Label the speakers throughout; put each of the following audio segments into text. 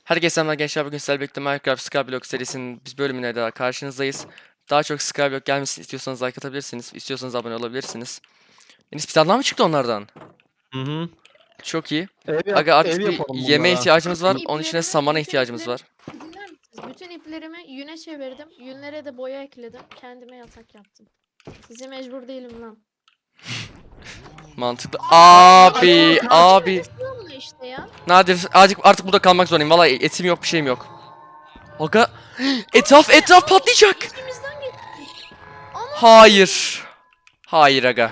Speaker 1: Herkese selamlar gençler. Bugün sizlerle birlikte Minecraft Skyblock serisinin biz bölümüne daha karşınızdayız. Daha çok Skyblock gelmesini istiyorsanız like atabilirsiniz. İstiyorsanız abone olabilirsiniz. Enes bir tane daha mı çıktı onlardan?
Speaker 2: Hı hı.
Speaker 1: Çok iyi.
Speaker 2: Ev
Speaker 1: Aga artık bir
Speaker 2: yapalım
Speaker 1: yemeğe
Speaker 2: bunlara.
Speaker 1: ihtiyacımız var. Onun için de
Speaker 3: İplerimi,
Speaker 1: samana
Speaker 3: bütün
Speaker 1: ihtiyacımız var.
Speaker 3: dinler misiniz? Bütün iplerimi yüne çevirdim. Yünlere de boya ekledim. Kendime yatak yaptım. Size mecbur değilim lan.
Speaker 1: Mantıklı. Abi.
Speaker 3: Sığınma işte ya.
Speaker 1: Nadir artık burada kalmak zorundayım. Vallahi etim yok bir şeyim yok. Aga etraf patlayacak.
Speaker 3: İçimizden geçti. Ama
Speaker 1: Hayır. Hayır aga.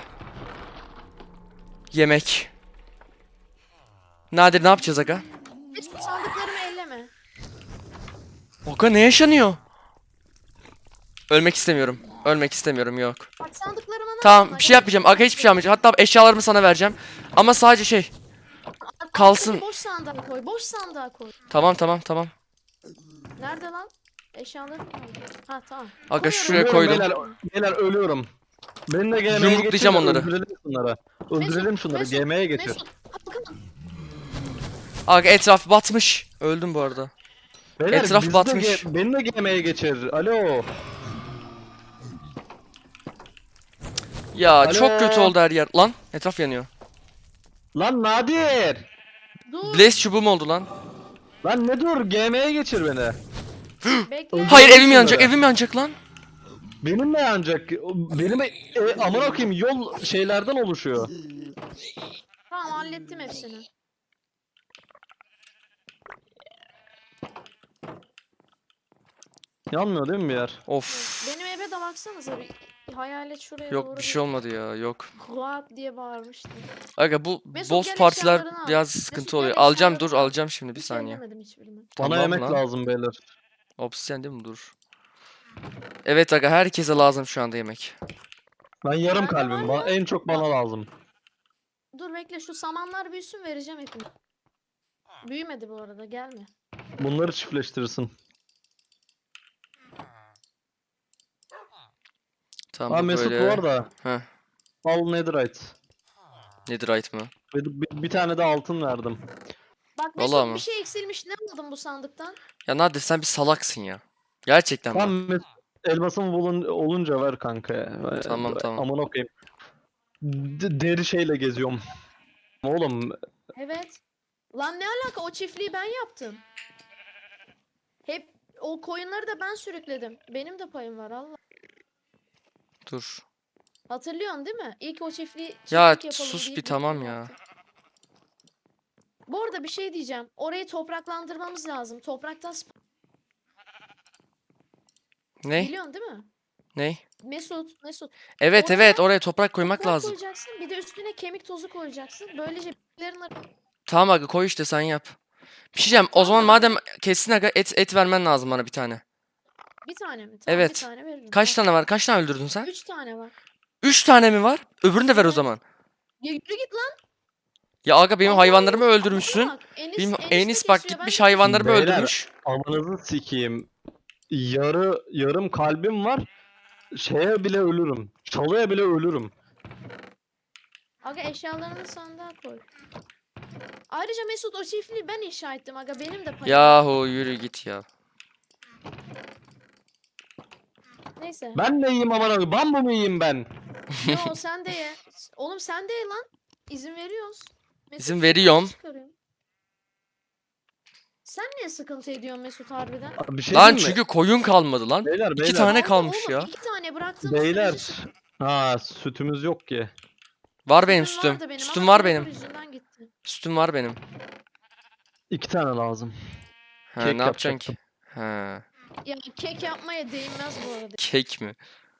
Speaker 1: Yemek. Nadir ne yapacağız aga?
Speaker 3: hiç sandıklarımı elleme.
Speaker 1: Aga ne yaşanıyor? Ölmek istemiyorum. Ölmek istemiyorum yok.
Speaker 3: Bak sandıklarıma ne
Speaker 1: Tamam
Speaker 3: yaptın?
Speaker 1: bir şey yapmayacağım. Aga hiçbir şey yapmayacağım. Hatta eşyalarımı sana vereceğim. Ama sadece şey. kalsın.
Speaker 3: Boş sandığa koy. Boş sandığa koy.
Speaker 1: Tamam.
Speaker 3: Nerede lan? Eşyalarım kaldı. Ha tamam.
Speaker 1: Aga
Speaker 3: Koyuyorum.
Speaker 1: şuraya koydum.
Speaker 2: Beyler ölüyorum. Beni de GM'ye
Speaker 1: Yumruklayacağım
Speaker 2: geçir de
Speaker 1: onları.
Speaker 2: Öldürelim şunları. Öldürelim şunları.
Speaker 3: Mesut,
Speaker 2: GM'ye geçir.
Speaker 3: Mesut. Hakan.
Speaker 1: Aga etraf batmış. Öldüm bu arada.
Speaker 2: Beyler,
Speaker 1: etraf
Speaker 2: bizi de
Speaker 1: batmış.
Speaker 2: Beni de GM'ye geçir. Alo.
Speaker 1: Ya
Speaker 2: Alo.
Speaker 1: çok kötü oldu her yer. Lan etraf yanıyor.
Speaker 2: Lan Nadir.
Speaker 3: Dur.
Speaker 1: Blaze çubuğum oldu lan.
Speaker 2: Lan ne dur, GM'ye geçir beni.
Speaker 3: Bekle.
Speaker 1: Hayır evim
Speaker 2: şunları.
Speaker 1: yanacak evim yanacak lan.
Speaker 2: Benim ne yanacak? Benim amına koyayım, yol şeylerden oluşuyor.
Speaker 3: Tamam hallettim hepsini.
Speaker 2: Yanmıyor değil mi bir yer?
Speaker 1: Of.
Speaker 3: Benim eve de baksanıza bir hayalet şuraya
Speaker 1: Yok
Speaker 3: doğru
Speaker 1: bir şey olmadı ya yok.
Speaker 3: Kuat diye bağırmıştı.
Speaker 1: Aga bu
Speaker 3: Mesut,
Speaker 1: boss
Speaker 3: gel
Speaker 1: partiler
Speaker 3: eşyalarını al.
Speaker 1: biraz
Speaker 3: Mesut,
Speaker 1: sıkıntı
Speaker 3: gel
Speaker 1: oluyor. Alacağım
Speaker 3: eşyalarını
Speaker 1: dur
Speaker 3: al.
Speaker 1: alacağım şimdi bir
Speaker 3: Hiç
Speaker 1: saniye.
Speaker 3: ellemedim hiçbirini.
Speaker 2: Bana
Speaker 1: Tamam
Speaker 2: yemek
Speaker 1: lan.
Speaker 2: lazım beyler.
Speaker 1: Obsidian değil mi dur. Evet aga herkese lazım şu anda yemek.
Speaker 2: Ben yarım
Speaker 3: Bende
Speaker 2: kalbim.
Speaker 3: var
Speaker 2: En çok bana lazım.
Speaker 3: Dur bekle şu samanlar büyüsün vereceğim hepini. Büyümedi bu arada gelme.
Speaker 2: Bunları çiftleştirirsin.
Speaker 1: Tamam
Speaker 2: Ha
Speaker 1: bu
Speaker 2: Mesut
Speaker 1: böyle.
Speaker 2: bu arada.
Speaker 1: Heh.
Speaker 2: Al netherite.
Speaker 1: Netherite mı?
Speaker 2: Bir tane de altın verdim.
Speaker 3: Bak
Speaker 1: Vallahi
Speaker 3: Mesut
Speaker 1: mı?
Speaker 3: bir şey eksilmiş ne aldın bu sandıktan?
Speaker 1: Ya Nadir sen bir salaksın ya. Gerçekten bak.
Speaker 2: Tam Mesut, elmasım olunca ver kanka ya.
Speaker 1: Tamam.
Speaker 2: Aman okuyayım. Deri şeyle geziyorum. Oğlum
Speaker 3: Evet. Lan ne alaka o çiftliği ben yaptım. Hep o koyunları da ben sürükledim. Benim de payım var Allah.
Speaker 1: Dur.
Speaker 3: Hatırlıyorsun değil mi? İlk o çiftlik
Speaker 1: Ya
Speaker 3: yapalım
Speaker 1: sus
Speaker 3: deyip
Speaker 1: bir tamam
Speaker 3: birlikte
Speaker 1: ya.
Speaker 3: yaptık. Bu arada bir şey diyeceğim. Orayı topraklandırmamız lazım. Topraktan
Speaker 1: Ne?
Speaker 3: biliyorsun değil mi?
Speaker 1: Ne?
Speaker 3: Mesut.
Speaker 1: Evet
Speaker 3: Oraya
Speaker 1: oraya toprak koymak
Speaker 3: toprak
Speaker 1: lazım.
Speaker 3: koyacaksın. Bir de üstüne kemik tozu koyacaksın. Böylece bitkilerin
Speaker 1: Tamam aga koy işte sen yap. Bir şey diyeceğim. O zaman
Speaker 3: Tamam.
Speaker 1: madem kesin aga et vermen lazım bana bir tane.
Speaker 3: bir tane mi? Tamam,
Speaker 1: Evet.
Speaker 3: Bir tane veririm.
Speaker 1: Kaç tane var? Kaç tane öldürdün sen?
Speaker 3: 3 tane var.
Speaker 1: 3 tane mi var? Öbürünü de ver o
Speaker 3: Evet.
Speaker 1: zaman.
Speaker 3: Ya yürü git lan.
Speaker 1: Ya aga benim
Speaker 3: Allah
Speaker 1: hayvanlarımı
Speaker 3: Allah.
Speaker 1: öldürmüşsün.
Speaker 3: Bak,
Speaker 1: Benim
Speaker 3: de
Speaker 1: Enis bak
Speaker 3: kesiyor, ben
Speaker 1: gitmiş
Speaker 3: de
Speaker 1: hayvanlarımı
Speaker 2: Beyler.
Speaker 1: öldürmüş.
Speaker 2: amanızı sikeyim. Yarım kalbim var. Şeye bile ölürüm. Çalıya bile ölürüm.
Speaker 3: Aga eşyalarını sandığa koy. Ayrıca Mesut o çiftliği ben inşa ettim aga benim de payım. var.
Speaker 1: Yahu yürü git ya.
Speaker 3: Neyse.
Speaker 2: Ben ne yiyeyim aman abi? Bambu mu yiyeyim ben?
Speaker 3: Yo sen de ye. Oğlum sen de ye lan. İzin veriyoruz. Mesut
Speaker 1: İzin
Speaker 3: sıkıntı
Speaker 1: veriyorum.
Speaker 3: çıkarıyor. Sen niye sıkıntı ediyorsun Mesut harbiden?
Speaker 2: Abi bir şey
Speaker 1: Lan
Speaker 2: diyeyim mi?
Speaker 1: çünkü koyun kalmadı lan.
Speaker 2: Beyler
Speaker 1: 2 tane
Speaker 3: Oldu
Speaker 1: kalmış
Speaker 3: oğlum,
Speaker 1: ya.
Speaker 3: 2 tane bıraktığımız
Speaker 2: Beyler.
Speaker 3: sürece sıkıntı.
Speaker 2: Ha sütümüz yok ki.
Speaker 1: Var benim
Speaker 3: Sütüm
Speaker 1: sütüm.
Speaker 3: vardı benim
Speaker 1: Sütüm
Speaker 3: ama
Speaker 1: var
Speaker 3: Creeper
Speaker 1: benim.
Speaker 3: yüzünden gitti.
Speaker 1: Sütüm var benim.
Speaker 2: 2 tane lazım.
Speaker 1: Ha
Speaker 2: Kek
Speaker 1: ne yapacaksın
Speaker 2: yapacaktım.
Speaker 1: ki? Ha
Speaker 3: Ya kek yapmaya değmez bu arada.
Speaker 1: kek mi?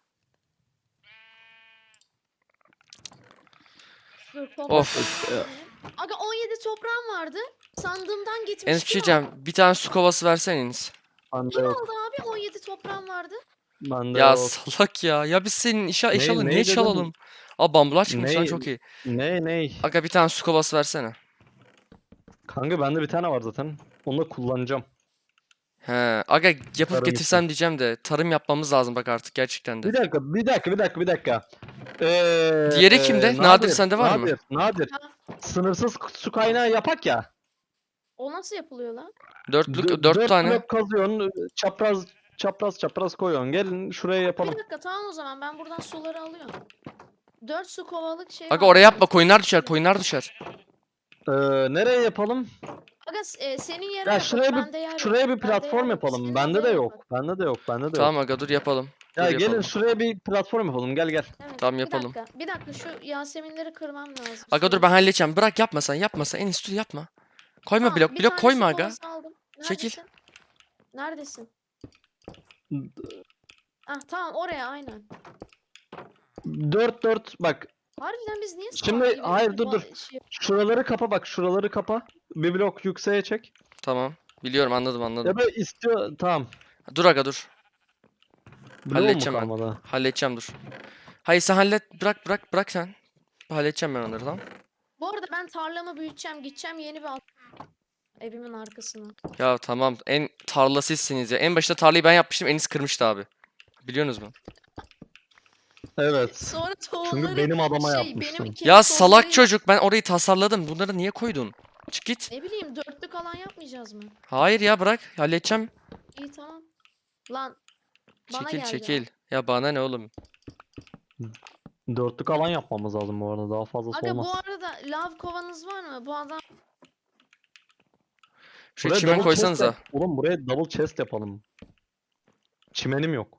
Speaker 3: Dur, toprak
Speaker 1: Of.
Speaker 3: toprağım benim. Aga 17 toprağım vardı. Sandığımdan gitmiş.
Speaker 1: Enes bir şey
Speaker 3: Kim
Speaker 1: diyeceğim.
Speaker 3: aldı?
Speaker 1: Bir tane su kovası versene Enes.
Speaker 2: Bende
Speaker 3: Kim
Speaker 2: yok.
Speaker 3: aldı abi? 17 toprağım vardı.
Speaker 2: Bende
Speaker 1: Ya
Speaker 2: yok.
Speaker 1: salak ya. Ya biz senin eşyalı
Speaker 2: ne
Speaker 1: niye
Speaker 2: dedim?
Speaker 1: çalalım? Aa bambular çıkmış lan
Speaker 2: Ne?
Speaker 1: çok iyi.
Speaker 2: Ne?
Speaker 1: Aga bir tane su kovası versene.
Speaker 2: Kanka bende bir tane var zaten. Onu da kullanacağım.
Speaker 1: He. Aga yapıp
Speaker 2: Tarım
Speaker 1: getirsem diyeceğim de tarım yapmamız lazım bak artık gerçekten de.
Speaker 2: Bir dakika.
Speaker 1: Diğeri kimde? Nadir, sende var mı?
Speaker 2: Nadir.
Speaker 3: Ha.
Speaker 2: Sınırsız su kaynağı yapak ya.
Speaker 3: O nasıl yapılıyor lan?
Speaker 1: Dört
Speaker 2: Dört
Speaker 1: tane.
Speaker 2: blok kazıyorsun, çapraz koyuyorsun. Gelin şuraya
Speaker 3: Bir
Speaker 2: yapalım.
Speaker 3: dakika tamam o zaman ben buradan suları alıyorum. 4 su kovalık şey
Speaker 1: Aga
Speaker 3: var
Speaker 1: oraya
Speaker 3: bende.
Speaker 1: yapma, koyunlar düşer, koyunlar düşer.
Speaker 2: Nereye yapalım?
Speaker 3: Aga senin yere
Speaker 2: Ya
Speaker 3: yapalım.
Speaker 2: şuraya
Speaker 3: Bende yer yok.
Speaker 2: şuraya bir
Speaker 3: Bende yer
Speaker 2: platform
Speaker 3: yok.
Speaker 2: yapalım.
Speaker 3: Senin
Speaker 2: Bende de
Speaker 3: odaya
Speaker 2: yok.
Speaker 3: yapak.
Speaker 2: Bende de yok. Bende de
Speaker 1: Tamam
Speaker 2: yok.
Speaker 1: aga dur yapalım.
Speaker 2: Ya
Speaker 1: Dur
Speaker 2: gelin
Speaker 1: yapalım.
Speaker 2: şuraya bir platform yapalım. Gel gel.
Speaker 3: Evet,
Speaker 1: Tamam,
Speaker 3: bir
Speaker 1: yapalım.
Speaker 3: dakika. Bir dakika şu Yaseminleri kırmam lazım.
Speaker 1: Aga dur
Speaker 3: suyu.
Speaker 1: ben halledeceğim. Bırak, yapma sen. En iyisi dur yapma. Koyma
Speaker 3: Tamam,
Speaker 1: blok
Speaker 3: bir
Speaker 1: blok
Speaker 3: tane
Speaker 1: koyma
Speaker 3: su
Speaker 1: aga.
Speaker 3: kovası aldım.
Speaker 1: Çekil.
Speaker 3: Neredesin? Ah tamam oraya aynen.
Speaker 2: 4 bak.
Speaker 3: Harbiden biz niye salak
Speaker 2: Şimdi
Speaker 3: gibi
Speaker 2: hayır dur
Speaker 3: ba-
Speaker 2: dur.
Speaker 3: şey-
Speaker 2: Şuraları kapa bak. Şuraları kapa. Bir blok yükseğe çek.
Speaker 1: Tamam. Biliyorum, anladım.
Speaker 2: Ya da istiyor. Tamam.
Speaker 1: Dur aga dur.
Speaker 2: Bloğum mu
Speaker 1: Halledeceğim ben.
Speaker 2: kalmadı?
Speaker 1: Halledeceğim dur. Hayır sen hallet. Bırak sen. Halledeceğim ben onları, tamam.
Speaker 3: Bu arada ben tarlamı büyüteceğim. Gideceğim yeni bir evimin arkasına.
Speaker 1: Ya tamam, en tarla sizsiniz ya. En başta tarlayı ben yapmıştım. Enis kırmıştı abi. Biliyorsunuz mu?
Speaker 2: Evet.
Speaker 3: Sonra
Speaker 2: Çünkü
Speaker 3: tohumları
Speaker 2: benim adama
Speaker 3: benim
Speaker 2: yapmıştın.
Speaker 3: kendi
Speaker 1: Ya salak
Speaker 3: tohumlarıyla-
Speaker 1: çocuk, ben orayı tasarladım. Bunları niye koydun? Çık git.
Speaker 3: Ne bileyim dörtlük alan yapmayacağız mı?
Speaker 1: Hayır ya, bırak. Halledeceğim.
Speaker 3: İyi tamam. Lan bana
Speaker 1: Çekil
Speaker 3: geldi.
Speaker 1: çekil. Ya bana ne oğlum?
Speaker 2: Dörtlük alan yapmamız lazım bu arada. Daha fazlası
Speaker 3: Aga
Speaker 2: olmaz.
Speaker 3: bu arada lav kovanız var mı? Bu adam
Speaker 1: Şuraya
Speaker 2: Buraya
Speaker 1: çimen
Speaker 2: double chest
Speaker 1: koysanıza.
Speaker 2: yap- Oğlum buraya double chest yapalım. Çimenim yok.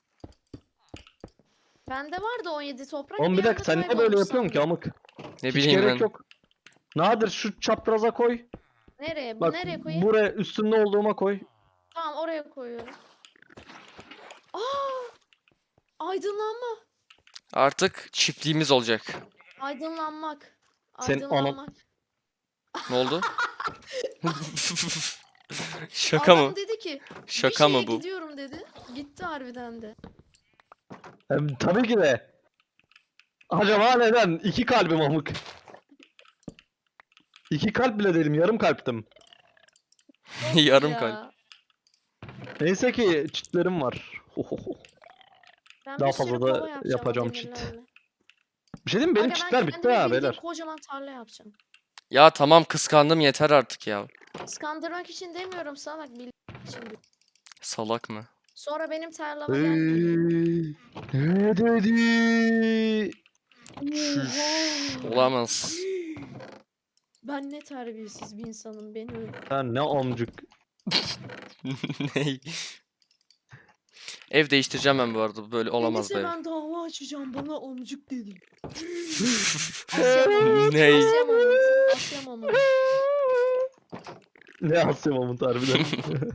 Speaker 3: bende vardı 17 toprak.
Speaker 2: Oğlum bir dakika sen niye böyle yapıyorsun ki amık?
Speaker 1: Ne
Speaker 2: Hiç
Speaker 1: bileyim
Speaker 2: gerek
Speaker 1: ben.
Speaker 2: yok. Nadir şu çapraza koy.
Speaker 3: Nereye?
Speaker 2: Bak
Speaker 3: Nereye koyayım?
Speaker 2: buraya üstünde olduğuma koy.
Speaker 3: Tamam oraya koyuyorum. Aa! Aydınlanma.
Speaker 1: Artık çiftliğimiz olacak.
Speaker 3: Aydınlanmak.
Speaker 2: Senin ana-
Speaker 3: Aydınlanmak.
Speaker 1: Ne oldu? Şaka
Speaker 3: Adam
Speaker 1: mı?
Speaker 3: dedi ki
Speaker 1: Şaka
Speaker 3: bir
Speaker 1: mı
Speaker 3: şeye
Speaker 1: bu?
Speaker 3: gidiyorum dedi. Gitti harbiden de.
Speaker 2: Tabii ki de. Acaba neden? 2 kalbim amık. 2 kalp bile değilim. Yarım kalptim.
Speaker 3: Of
Speaker 1: Yarım
Speaker 3: ya.
Speaker 1: kalp.
Speaker 2: Neyse ki çitlerim var. Hohoho.
Speaker 3: Ben
Speaker 2: Daha
Speaker 3: bir sürü
Speaker 2: fazla da
Speaker 3: kova yapacağım o
Speaker 2: yapacağım çit.
Speaker 3: demirlerle.
Speaker 2: Bir şey diyeyim mi? Benim
Speaker 3: Aga ben
Speaker 2: çitler bitti
Speaker 3: kendime
Speaker 2: ha
Speaker 3: bildiğin
Speaker 2: beyler.
Speaker 3: kocaman tarla yapacağım.
Speaker 1: Ya tamam, kıskandım, yeter artık ya.
Speaker 3: Kıskandırmak için demiyorum salak bildiğin için. diyorum.
Speaker 1: Salak mı?
Speaker 3: Sonra benim tarlama gelmeyin.
Speaker 2: Ne dedi?
Speaker 1: Şuş.
Speaker 3: Oha!
Speaker 1: Olamaz.
Speaker 3: Ben ne terbiyesiz bir insanım beni öyle.
Speaker 2: Sen ne amcık.
Speaker 1: Ney? Ev değiştireceğim ben bu arada. Böyle olamaz
Speaker 3: Neyse
Speaker 1: be.
Speaker 3: ben dava açacağım bana amcık dedi.
Speaker 1: Ney?
Speaker 3: Asya Mahmut. Asya Mahmut.
Speaker 2: Ne Asya Mahmut harbiden.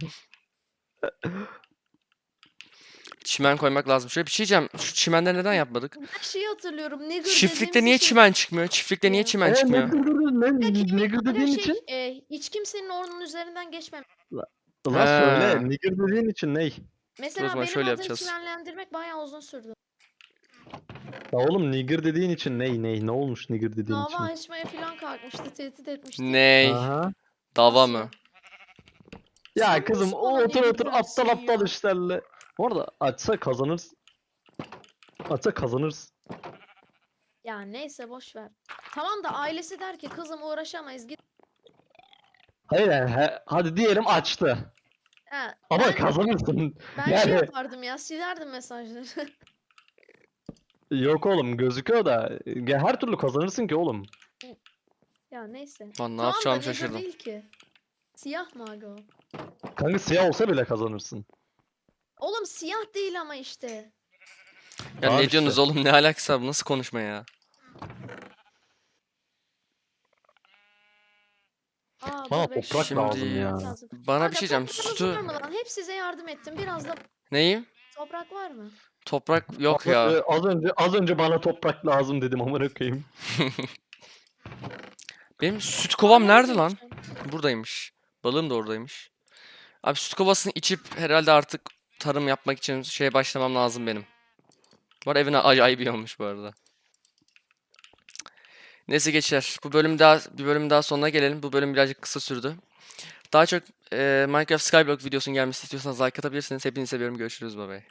Speaker 1: Çimen koymak lazım. Şöyle bir şey diyeceğim. Şu çimenleri neden yapmadık?
Speaker 3: Ben şeyi hatırlıyorum. Nigger
Speaker 1: Çiftlikte
Speaker 3: dediğimiz
Speaker 1: niye
Speaker 3: için-
Speaker 1: çimen çıkmıyor? Çiftlikte niye
Speaker 3: Ya.
Speaker 1: çimen
Speaker 2: Ne
Speaker 1: çıkmıyor?
Speaker 2: ne
Speaker 3: Aga
Speaker 2: dediğin
Speaker 3: şey,
Speaker 2: için?
Speaker 3: hiç kimsenin onun üzerinden geçmem.
Speaker 2: Ulan
Speaker 1: Ha.
Speaker 2: söyle. Nigger dediğin için ney?
Speaker 3: Mesela
Speaker 1: zaman
Speaker 3: benim
Speaker 1: şöyle
Speaker 3: adını
Speaker 1: yapacağız.
Speaker 3: çimenlendirmek bayağı uzun sürdü.
Speaker 2: Ya oğlum nigger dediğin için ney? Ne olmuş nigger dediğin için?
Speaker 3: Dava açmaya falan kalkmıştı, tehdit etmişti.
Speaker 1: Ney?
Speaker 2: Aha.
Speaker 1: Dava
Speaker 3: Asya.
Speaker 1: mı?
Speaker 2: Ya
Speaker 3: Sen
Speaker 2: kızım
Speaker 3: nasıl bana
Speaker 2: otur
Speaker 3: nigger
Speaker 2: otur
Speaker 3: dersin
Speaker 2: aptal
Speaker 3: ya?
Speaker 2: işlerle. Bu arada açsa kazanırsın. Açsa kazanırsın.
Speaker 3: Ya neyse boş ver. Tamam da ailesi der ki kızım uğraşamayız git.
Speaker 2: Hayır yani hadi diyelim açtı.
Speaker 3: Ha,
Speaker 2: Ama
Speaker 3: ben,
Speaker 2: kazanırsın.
Speaker 3: ben şey
Speaker 2: yani-
Speaker 3: yapardım ya silerdim mesajları.
Speaker 2: Yok oğlum gözüküyor da ya her türlü kazanırsın ki oğlum.
Speaker 3: Ya neyse.
Speaker 1: Lan ne
Speaker 3: Tamam da
Speaker 1: yapacağımı
Speaker 3: nigger
Speaker 1: şaşırdım.
Speaker 3: değil ki. Siyah mı aga o?
Speaker 2: Kanka siyah olsa bile kazanırsın.
Speaker 3: Oğlum siyah değil ama işte.
Speaker 1: Ya
Speaker 2: Tamam
Speaker 1: ne
Speaker 2: işte.
Speaker 1: diyorsunuz oğlum? Ne alakası var? Bu nasıl konuşma ya?
Speaker 3: Aa,
Speaker 2: Bana
Speaker 3: dur beş-
Speaker 2: toprak
Speaker 1: Şimdi-
Speaker 2: lazım ya.
Speaker 3: lazım.
Speaker 1: Bana
Speaker 3: Aga,
Speaker 1: bir şey diyeceğim.
Speaker 3: toprağınız
Speaker 1: Sütü...
Speaker 3: var mı lan? Hep size yardım ettim. Biraz da
Speaker 1: Neyim?
Speaker 3: toprak var mı?
Speaker 1: Toprak yok ya.
Speaker 2: Az önce bana toprak lazım dedim amına koyayım.
Speaker 1: Benim süt kovam
Speaker 3: Aa,
Speaker 1: nerede lan?
Speaker 3: yapacağım?
Speaker 1: Buradaymış. Balığım da oradaymış. Abi süt kovasını içip herhalde artık tarım yapmak için şeye başlamam lazım benim. Bu arada evine acayip iyi olmuş bu arada. Neyse geçer. Bir bölüm daha sonuna gelelim. Bu bölüm birazcık kısa sürdü. Daha çok Minecraft Skyblock videosunun gelmesini istiyorsanız like atabilirsiniz. Hepinizi seviyorum. Görüşürüz. Bye bye.